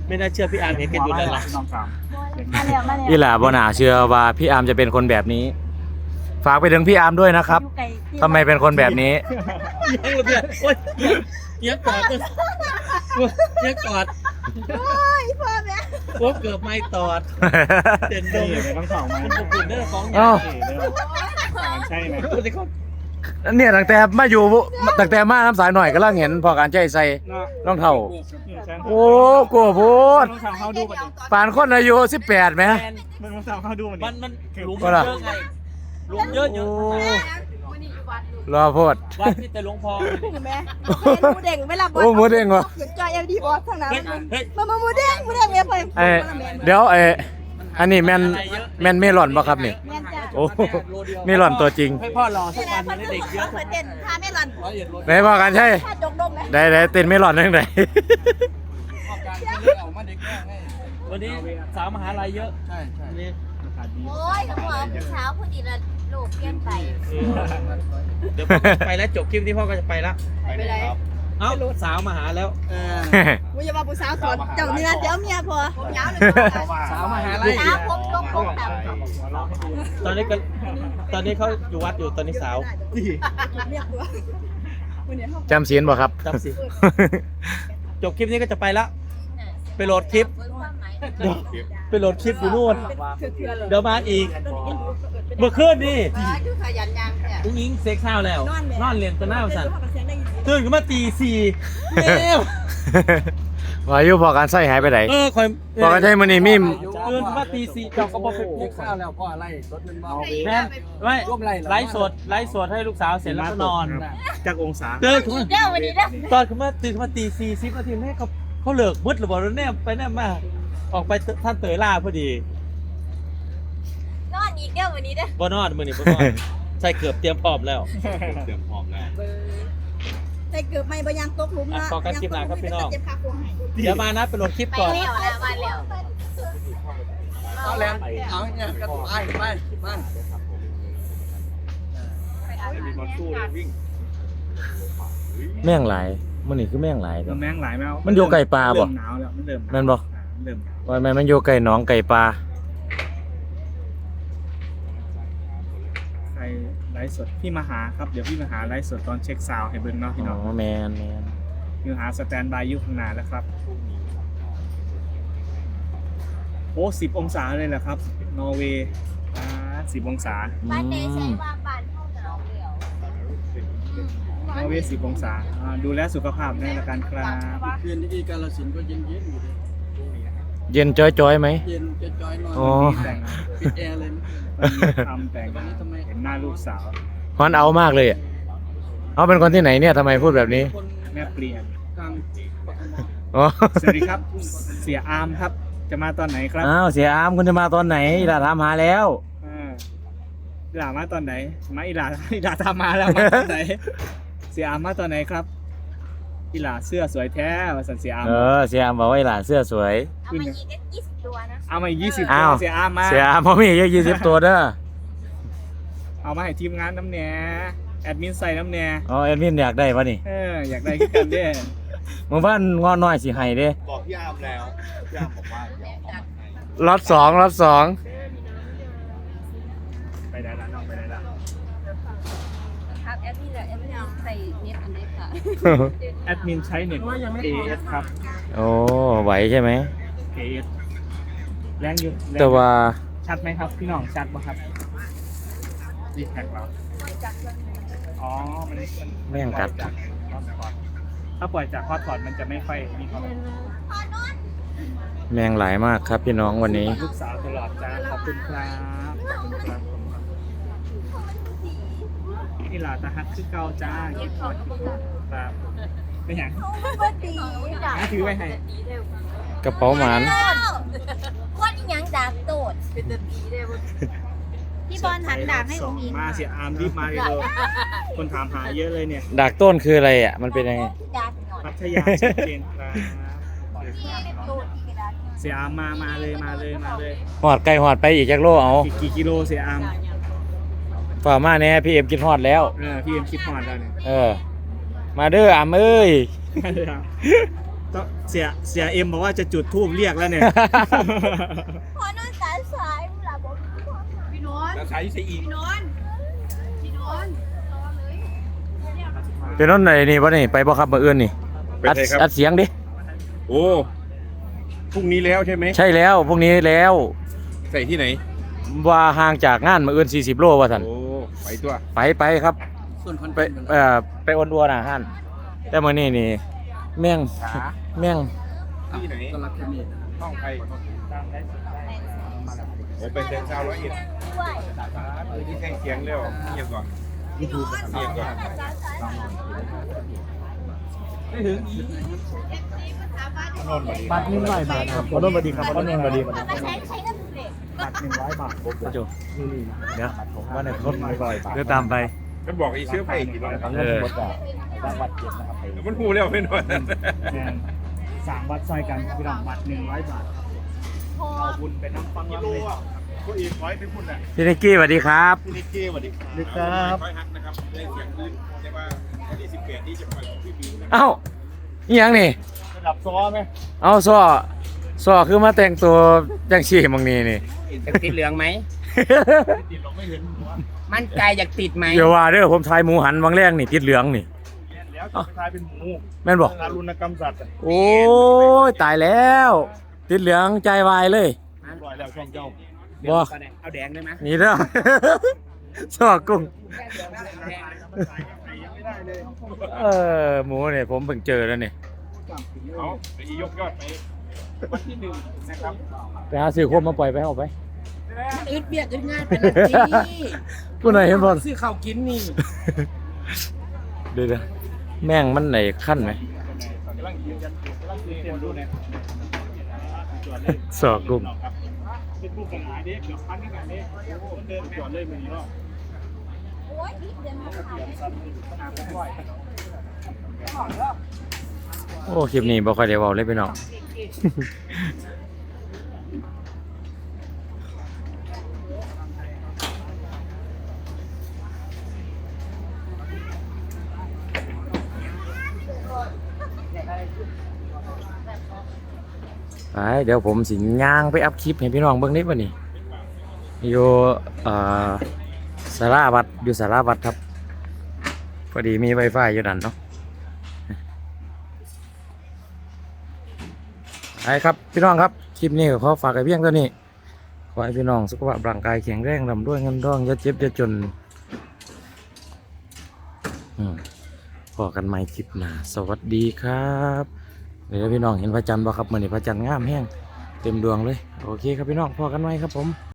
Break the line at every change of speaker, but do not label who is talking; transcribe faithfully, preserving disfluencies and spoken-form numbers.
ไม่น่าเชื่อพี่อาร์มเห็นกันอยู่แล้วล่ะ
มาแล้วมาแล้ว
อีหล่าบ่น่าเชื่อว่าพี่อาร์มจะเป็นคนแบบนี้ ฝากไปถึงพี่อาร์มด้วยนะครับทำไมเป็นคนแบบนี้
ยังเลยเนี่ยโอ๊ยยังกอดเลยยังกอด
โอ้ยพ่อแม่
โอ้เกือบไม่ตอดเด่นดง
ต้องสองมา
คุณปุ่นเด้อของ
เอ้า
ใช่ไหม
คุณที่เขา
เนี่ยตั้งแต่มาอยู่ตั้งแต่มาน้ำสายหน่อยก็ลังเห็นพอการใจใส่รองเท้าโอ้โกโพด
ต้องสาวเข้าดูมัน
ปานคนอายุสิบแปดไหม
มันต้องสาวเข้าดูมัน
มันมันหลุมเยอะไงหลุมเยอะเยอะ
รอโพด
วัดที่แต่หลวงพ่อ
แม่หมูเด้งไม่รับบอล
โอ้หมูเด้งวะ
จอยเอลดีบอสทั้งนั้น
เฮ้ยเฮ้ย
มามาหมูเด้งหมูเด้งแม่ไป
เอ้ยเดี๋ยวเอ้ยอันนี้แมนแมนเมลอนป่ะครับนี่
แม่จ้า
โอ้เมลอนตัวจริง
ให้พ่อรอสักวันนึงเด็กเยอะ
เปิดเต้นพาแม่หลอน
ร้อยเหรียญรถ
ไหนพอการใช่
พาดงดงไหม
ได้ได้เต้นเมลอนนั่งไหน
วันนี้สาวมหาลัยเยอะใช่ใช่
โอ้ยหัวเช้าพอดีละลูกเปลี่ยนไป
เดี๋ยวพ่อก็จะไปแล้วจบคลิปที่พ่อก็จะไปละ
ไปไหน
เอ้าสาวมาหาแล้ว
มึงอย่ามาผู้สาวสอนเจ้าเนื้อเจ้าเมียพอผมยาวเลย
สาวมหาลัย
เช้าพบลงพบแบบ
ตอนนี้ก็ตอนนี้เขาอยู่วัดอยู่ตอนนี้สาว
เรียกตัววันนี้เขา
จำเสียนบ่ครับ
จำสิจบคลิปนี้ก็จะไปละไปโหลดคลิปเดี๋ยวไปโหลดคลิปอยู่นู่นเดี๋ยวมาอีกเมื่อคืนนี่
คือขยันยังเนี่ย
อุ้งอิงเซ็กข้าวแล้วนอนเรียนตัวหน้าสั่น
เสียงได้ยิน
ตื่นขึ้นมาตีสี่เร็ว
วายุพอการใส่หายไปไหน
เออคอย
พอการใช้มันนี่มี
ตื่นขึ้นมาตีสี่เจ้าก็บอกเซ็กข้าวแล้วพ่อไล่รถมันเมาแม่ไม่ไลฟ์สดไลฟ์สดให้ลูกสาวเสร็จแล้วก็นอน
จากองศา
ตื่นขึ้นมา
เด้อวันนี้เด้อ
ตอนขึ้นมาตื่นขึ้นมาตีสี่สิบนาทีแม่เขาเขาเลิกมืดหรือเปล่าเนี่ยไปแน่มาออกไปท่านเตยล่าพอดี
นอนอีกเด้อวันนี้เด้อ
บ่นอนมือนี่บ่นอนใส่เกือบเตรียมพร้อมแล้ว
ใส่เกือบไม่บยังตกหลุมละเจ็บขาโค้งให้
เดี๋ยวมานะไปโหลดคลิป
ไป
ก่อน
แล้วแล้วมาแล้ว
เอาแล้วเอาเนี่ยก็ไปไปไป
แม่งหลายมันนี่คือแม่งหลายเด้อ
แมงหลายแมว
มันอยู่ไก่ปลาบ่
เริ่มหนาวแล้วมันเริ่ม
แม่นบ่
เริ่ม
ว่าแม่นมันอยู่ไก่หนองไก่ปลา
ใครไลฟ์สดพี่มาหาครับเดี๋ยวพี่มาหาไลฟ์สดตอนเช็คซาวด์ให้เบิ่งเนาะพี่
อ๋
น้อง
อแมนแมน
พี่มาหาสแตนบายอยู่ข้างหน้าแล้วครับโอ้สิบองศาเลยเหรอครับนอร์เวย์อ่าสิบองศา
บ้านเดใช้ว่าบ้านเข้าหนาวเดียวน
อร์เวย์สิบองศาอ่าดูแลสุขภาพในละกันครับ
คืนที่กาฬสินธุ์ก็เย็นเย็นๆอยู่เลย
เย็นจ้อยๆไหม
เย็นจะจอยๆนอน
อ๋อ
แต่ง
ปิดแอร์เลยนะ
ทำแต่งเห็นหน้าลูกสาว
ฮอนเอามากเลยอะเอาเป็นคนที่ไหนเนี่ยทำไมพูดแบบนี้
คน
แม่เปลี่ยน
กลางปากก
อ๋อ
สวัสดีครับ เสียอาร์มครับ จะมาตอนไหนครับ
อ้าวเสียอามคุณจะมาตอนไหนอีหลาถามหาแล้ว
อ่าอีหลามาตอนไหนมาอีหลาอีหลาทำมาแล้วมาตอนไหน เสียอาร์มมาตอนไหนครับอีหลาเสื้อสวยแท้มาสันเสียอาร์ม
เออเสียอามบอกว่าอีหลาเสื้อสวย
เอามาอีกก็ยี่สิบตัวนะ
เอามาอีกยี่สิบ
อ้าว
ตัวเสียอาร์มมา
เสียอามเพราะมีเยอะยี่สิบตัวเด้อ
เอามาให้ทีมงานน้ำแหน่แอดมินใส่น้ำแหน่
อ๋อเอ็ดมินอยากได้ปะนี่
เอออยากได้ขึ้นกันเด้
หมู่บ้านงอน้อยสิให้เด้
บอกพี่อามแล้วพี่อามบอกว่าเดี๋ยวเอามาให้
ล็อตสองล็อตสอง
ไปได้แล้วน้องไปได้แล้ว
ครับแอปนี่แหละแอปนี่ใส่เน็ตอันนี้ค่ะ
แอดมินใช้เน็ต เอ เอส ครับ
โอ้ไหวใช่ไหม
เอ เอส แรงอยู่รงอยู่
แต่ว่า
ชัดไหมครับพี่น้องชัดป่ะครับรีแท็กเราอ๋อมันมัน
แม่งกัด
ถ้าปล่อยจากฮอตพอตมันจะไม่ค่อยมีความ
แมงหลายมากครับพี่น้องวันนี้
ลูกสาวตลอดจ้าขอบคุณครับขอบคุณครับผมนี่หลาตาฮักคือเก่าจ้าเก็บพอดครับไม่อย่าง
ก็ดี
น้าถือไว้ให้
กระเป๋าหมาน
คนอีหยังดาบโตด
พี่บอลหันดาบให้องค์หญิง
มาเสียอาร์มรีบมาเลยเลยคนถามหาเยอะเลยเนี่ย
ดากต้นคืออะไรอ่ะมันเป็นยังไง
ดาบหน่อย
พัทยาชัดเจนครับ
โตดที่กระดาษ
เสียอาร์มมามาเลยมาเลยมาเลย
หอดไก่หอดไปอีกจักโลเอา
กี่กี่กิโลเสียอาร์ม
ฝ่ามาแน่พี่เอ็มกินหอดแล้ว
เออพี่เอ็มคิดฮอดแล้วเนี่ย
เออ มาเด้ออามเอ้ย
มาเลยครับต้องเสียเสียเอ็มบอกว่าจะจุดธูปเรียกแล้วเนี่ย
พอนอนสายสายมึงหลับบอกพี่นนท์
แล้วใช้ใช้อีก
พี่นนท์พี่นนท์รอเลย
เป็นนั่นไหนนี่บ่นี่ไปบ่ครับมื้ออื่นนี่
ไป
อัด
ไหนครับ
อัดเสียงดิ
โอ้พรุ่งนี้แล้วใช่ไหม
ใช่แล้วพวกนี้แล้ว
ใส่ที่ไหน
ว่าห่างจากงานมื้ออื่นสี่สิบโลว่าซั่น
โอ้ไปตัว
ไปไปครับไปเอ่อไปออนดัวน่ะฮั่นแต่มื้อนี้นี่แม่งแม่ง
ที่ไหนห้องใครโอ้เป็นเซนซาวร้อยเอ็ด
ด้วย
เออที่แท่งเสียงเร็วเงียบก่อนเงียบก่อน
บัตรหนึ่งร้อยบาทครับขอโทษสวัสดีครับขอโทษสวัสดีครับ
มาใช้ใช้กันเด็ก
บัตรหนึ่งร้อยบาท
โจเดี๋ยวว่าไหนรถเดี๋ยวตามไป
มันบอกไอ้เชื้อไฟกี่ร้อย
เออ
มันพูดแล้วไม่หน่อย
สามวัดซอยกันพี่น้องบัตรหนึ่งร้อยบาท
พอ
เอาบุญไปน้ำฟังรับเลย
ผู้อีกร้อยไปพูดแหละ
พี่นิกกี้สวัสดีครับ
พี่นิกกี้สวัสดีครับ
ลึกครับ
ร้อยฮักนะครับได้เสียงขึ้นเรียกว่าวันที่สิบแปดนี้จะปล่อยของพี่บิวนะ
เอ้าอีหยังนี่
ระดับซ้อไหม
เอาซ้อซ้อคือมาแต่งตัวจังซี่บางนี้นี่
อยากติดเหลืองไหม
ติดเราไม่เห็นหัว
มั่นใจอยากติดไหม
เดี๋ยวว่าเด้อผมทายหมูหันบางแรกนี่ติดเหลืองนี่
แล้วจะไปทายเป็นหมู
แม่นบอก
ทารุณกรรมสัตว์
โอ้ยตายแล้ว ติดเหลืองใจวายเลย
ปล่อยแล้วช่องเจ้า
เดี๋ยวก่อนเนี่ยเอาแดงได้ไหม
นี่เด้อ ซอกุ้ง เออหมูเนี่ยผมเพิ่งเจอแล้วนี่
เอาเดี๋ยวอียกยอดไปวันที่หนึ่งนะครับ
ไปหาซื้อโคมมาปล่อยไปเอาไป
มันอึดเบียดอึดง่ายเป็นนาที
ผู้ไหนเห็นบอล
ซื้อข้าวกินนี่
เดี๋ยวๆแม่งมันไหนขั้นไหม
กำลังยืนยันกำลังยืนยันดูเนี่ย
ซอกุ้ง
เป็นผู้กันหายเด็กเดี๋ยวพันกันเด็กเดินจอดเลยมือนี้เนาะ
โอ้ยนิดเดียวมันหาย
โอ้คลิปนี้บ่ค่อยได้เว้าเลยพี่น้อง ไปเดี๋ยวผมสิย่างไปอัพคลิปให้พี่น้องเบิ่งนิดวันนี้อยู่เอ่อสาราวัดอยู่สาราวัดครับพอดีมี Wi-Fi อยู่นั่นเนาะไปครับพี่น้องครับคลิปนี้ก็ขอฝากไว้เพียงเท่านี้ขอให้พี่น้องสุขภาพร่างกายแข็งแรงร่ำรวยเงินทองอย่าเจ็บอย่าจนอืมพอกันใหม่คลิปหน้าสวัสดีครับเดี๋ยวพี่น้องเห็นพระจันทร์บ่ครับมื้อนี้พระจันทร์งามแห้งเต็มดวงเลยโอเคครับพี่น้องพอกันใหม่ครับผม